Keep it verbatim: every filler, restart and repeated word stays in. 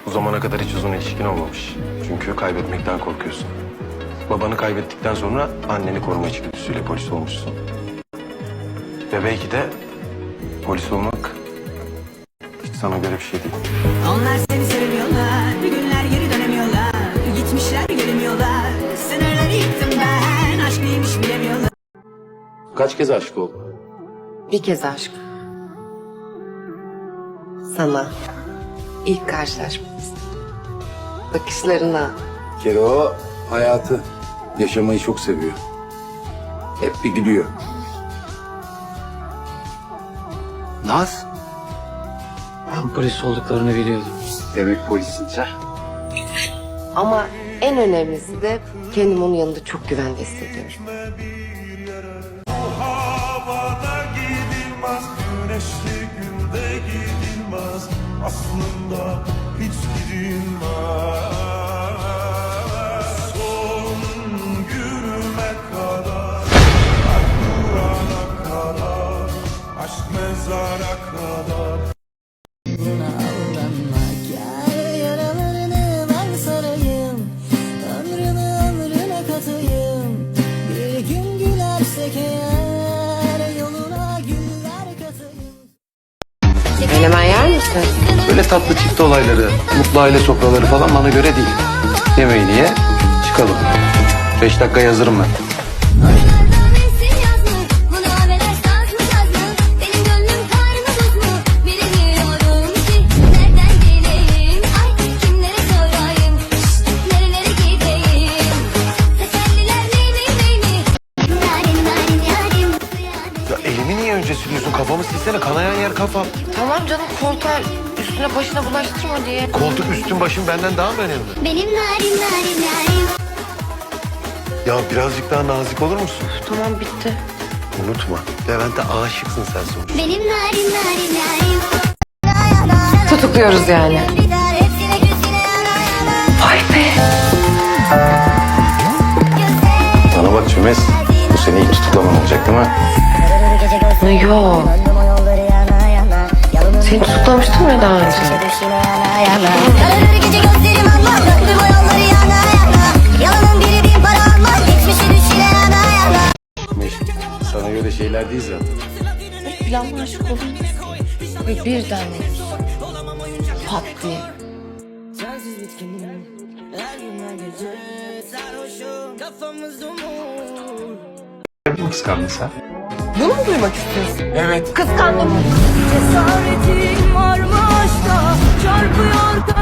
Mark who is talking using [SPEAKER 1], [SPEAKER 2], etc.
[SPEAKER 1] Bu zamana kadar hiç uzun ilişkin olmamış. Çünkü kaybetmekten korkuyorsun. Babanı kaybettikten sonra anneni koruma içgüdüsüyle polis olmuşsun. Ve belki de polis olmak hiç sana göre bir şey değil.
[SPEAKER 2] Onlar seni sevmiyorlar, bir günler geri dönemiyorlar. Gitmişler gelemiyorlar, sınırları yıktım ben. Aşk neymiş bilemiyorlar.
[SPEAKER 1] Kaç kez aşık oldun?
[SPEAKER 3] Bir kez aşk. Sana. İlk karşılaşmamız. Bakışlarına.
[SPEAKER 4] Bir kere o hayatı, yaşamayı çok seviyor. Hep bir gülüyor. Naz,
[SPEAKER 5] Ben polis olduklarını biliyordum.
[SPEAKER 4] demek polissin sen.
[SPEAKER 3] Ama en önemlisi de kendim onun yanında çok güvende hissediyorum.
[SPEAKER 6] Havada gidilmez, güneşli günde gidilmez. Aslında hiç gidilmez. Son günüme kadar, kalp durana kadar, aşk mezara kadar.
[SPEAKER 7] Yaralarını ben sarayım, ömrümü ömrüne katayım. Bir gün gülersek eğer, yoluna güller katayım.
[SPEAKER 3] Menemen yer misin?
[SPEAKER 1] Böyle tatlı çift olayları, mutlu aile sofraları falan bana göre değil. Yemeğini ye, çıkalım. Beş dakika hazırım ben. Ya elimi niye önce sürüyorsun? Kafamı silsene, kanayan yer kafam.
[SPEAKER 3] Tamam canım, korkar. Üstüne başına bulaştırma diye.
[SPEAKER 1] Koltuk üstün başım benden daha mı önemli?
[SPEAKER 7] Benim narim narim narim.
[SPEAKER 1] Ya birazcık daha nazik olur musun?
[SPEAKER 3] Tamam, bitti.
[SPEAKER 1] Unutma, Levent'e aşıksın sen sonuçta.
[SPEAKER 7] Benim narim narim narim.
[SPEAKER 3] Tutukluyoruz yani.
[SPEAKER 7] Gider hepsine gözüne yana yana.
[SPEAKER 3] Vay be.
[SPEAKER 1] Bana bak Çömez, bu seni ilk tutuklaman olacak değil mi?
[SPEAKER 3] Yo. Seni tutuklamıştım ya daha önce.
[SPEAKER 7] Kararır gece gözlerim almaz, bıraktım o yolları yana yana. Yalanın biri bin para almaz, geçmişi düşüle yana yana.
[SPEAKER 1] Meşk, sana göre şeyler değil zaten.
[SPEAKER 3] Planla aşık oldum. Ve birden pat diye.
[SPEAKER 7] Sensiz bitkinim, her gün her gece sarhoşum, kafamız dumur.
[SPEAKER 1] Mi kıskandın sen?
[SPEAKER 3] Bunu mu duymak istiyorsun?
[SPEAKER 1] Evet.
[SPEAKER 3] Kıskandım.
[SPEAKER 7] Cesaretim varmış da çarpıyor.